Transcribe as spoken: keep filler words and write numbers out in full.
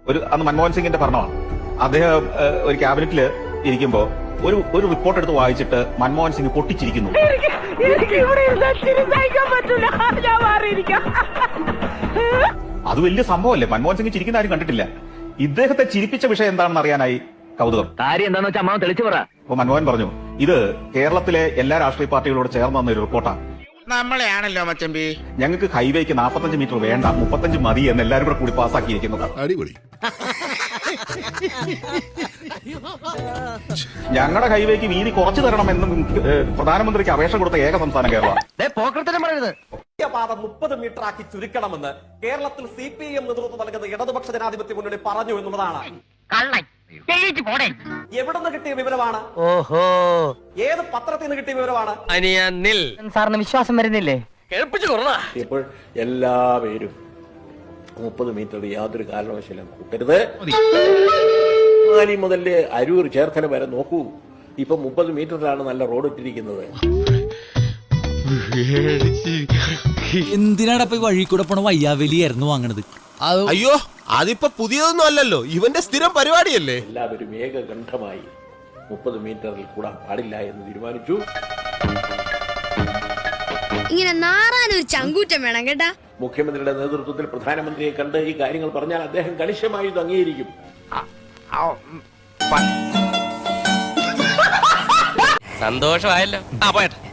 ഒരു അന്ന് മൻമോഹൻ സിംഗിന്റെ ഭരണമാണ്. അദ്ദേഹം ഒരു ക്യാബിനറ്റിൽ ഇരിക്കുമ്പോൾ ഒരു ഒരു റിപ്പോർട്ട് എടുത്ത് വായിച്ചിട്ട് മൻമോഹൻ സിംഗ് പൊട്ടിച്ചിരിക്കുന്നു. അത് വലിയ സംഭവമല്ലേ? മൻമോഹൻ സിംഗ് ചിരിക്കുന്ന ആരും കണ്ടിട്ടില്ല. ഇദ്ദേഹത്തെ ചിരിപ്പിച്ച വിഷയം എന്താണെന്ന് അറിയാനായി കൗതുകം. കാര്യം എന്താണെന്ന് വെച്ചാൽ അമ്മാവൻ തെളിച്ചു പറ. അപ്പൊ മൻമോഹൻ പറഞ്ഞു, ഇത് കേരളത്തിലെ എല്ലാ രാഷ്ട്രീയ പാർട്ടികളോട് ചേർന്ന് വന്ന ഒരു റിപ്പോർട്ടാണ്. നമ്മളെയാണല്ലോ മച്ചമ്പി. ഞങ്ങൾക്ക് ഹൈവേക്ക് നാൽപ്പത്തഞ്ച് മീറ്റർ വേണ്ട, മുപ്പത്തഞ്ച് മതി എന്ന് എല്ലാവരും കൂടെ കൂടി പാസ്സാക്കിയിരിക്കുന്നത്. അടിപൊളി. ഞങ്ങളുടെ ഹൈവേക്ക് വീതി കുറച്ചു തരണമെന്നും പ്രധാനമന്ത്രിക്ക് അപേക്ഷ കൊടുത്ത ഏക സംസ്ഥാനം കേരള. പാത മുപ്പത് മീറ്റർ ആക്കി ചുരുക്കണമെന്ന് കേരളത്തിൽ സി പി ഐ എം നേതൃത്വം നൽകുന്ന ഇടതുപക്ഷ ജനാധിപത്യ മുന്നണി പറഞ്ഞു എന്നുള്ളതാണ്. എവിടെ നിന്ന് കിട്ടിയ വിവരമാണ്? ഓഹോ, ഏത് പത്രത്തിൽ നിന്ന് കിട്ടിയ വിവരമാണ്? സാറിന് വിശ്വാസം വരുന്നില്ലേ? ഇപ്പോൾ എല്ലാവരും മുപ്പത് മീറ്റർ യാതൊരു കാരണവശാലും കൂട്ടരുത്. മുതൽ അരൂർ ചേർത്തല വരെ നോക്കൂ, ഇപ്പൊ മുപ്പത് മീറ്ററിലാണ് നല്ല റോഡ് ഇട്ടിരിക്കുന്നത്. എന്തിനാണ് ഇപ്പൊ വഴി കൂടെ പോണ വയ്യാവലിയായിരുന്നു വാങ്ങണത്? അയ്യോ, അതിപ്പോ പുതിയതൊന്നും അല്ലല്ലോ, ഇവന്റെ സ്ഥിരം പരിപാടിയല്ലേ. എല്ലാവരും ഏകകണ്ഠമായി മുപ്പത് മീറ്ററിൽ കൂടാൻ പാടില്ല എന്ന് തീരുമാനിച്ചു. ഇങ്ങനെ നാറാനൊരു ചങ്കൂറ്റം വേണം കേട്ടാ. മുഖ്യമന്ത്രിയുടെ നേതൃത്വത്തിൽ പ്രധാനമന്ത്രിയെ കണ്ട് ഈ കാര്യങ്ങൾ പറഞ്ഞാൽ അദ്ദേഹം കണിശമായി ഇത് അംഗീകരിക്കും. സന്തോഷമായല്ലോ.